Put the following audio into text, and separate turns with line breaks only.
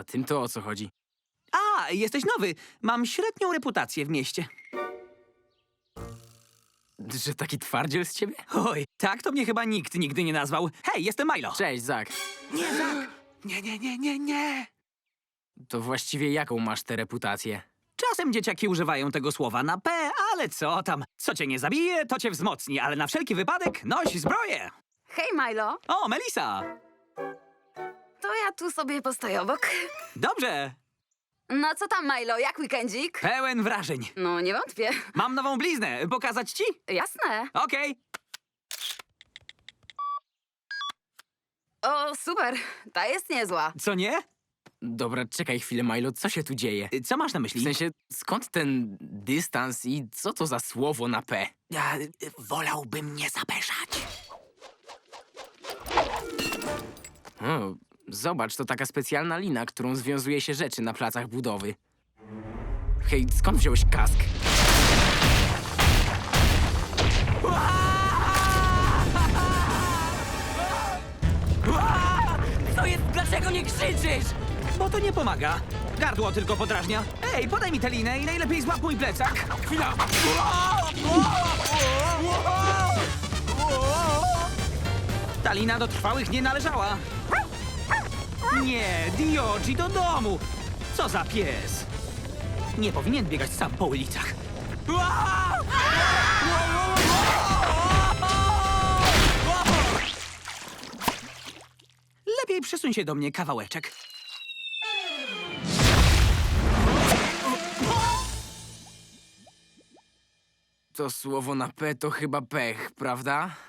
tym to o co chodzi?
A, jesteś nowy. Mam średnią reputację w mieście.
Że taki twardziel z ciebie?
Oj, tak to mnie chyba nikt nigdy nie nazwał. Hej, jestem Milo.
Cześć, Zak.
Nie, Zak. Nie.
To właściwie jaką masz tę reputację?
Czasem dzieciaki używają tego słowa na P, ale co tam? Co cię nie zabije, to cię wzmocni, ale na wszelki wypadek noś zbroję.
Hej, Milo.
O, Melisa.
To ja tu sobie postoję obok.
Dobrze.
No co tam, Milo? Jak weekendzik?
Pełen wrażeń.
No, nie wątpię.
Mam nową bliznę. Pokazać ci?
Jasne.
Okej.
O, super. Ta jest niezła.
Co nie?
Dobra, czekaj chwilę, Milo, co się tu dzieje?
Co masz na myśli?
W sensie, skąd ten dystans i co to za słowo na P?
Wolałbym nie zapeszać.
O, zobacz, to taka specjalna lina, którą związuje się rzeczy na placach budowy. Hej, skąd wziąłeś kask?
Co jest? Dlaczego nie krzyczysz? Bo to nie pomaga. Gardło tylko podrażnia. Ej, podaj mi tę linę i najlepiej złap mój plecak. Chwila. Ta lina do trwałych nie należała. Nie, Diogi, do domu. Co za pies. Nie powinien biegać sam po ulicach. Lepiej przesuń się do mnie kawałeczek.
To słowo na P to chyba pech, prawda?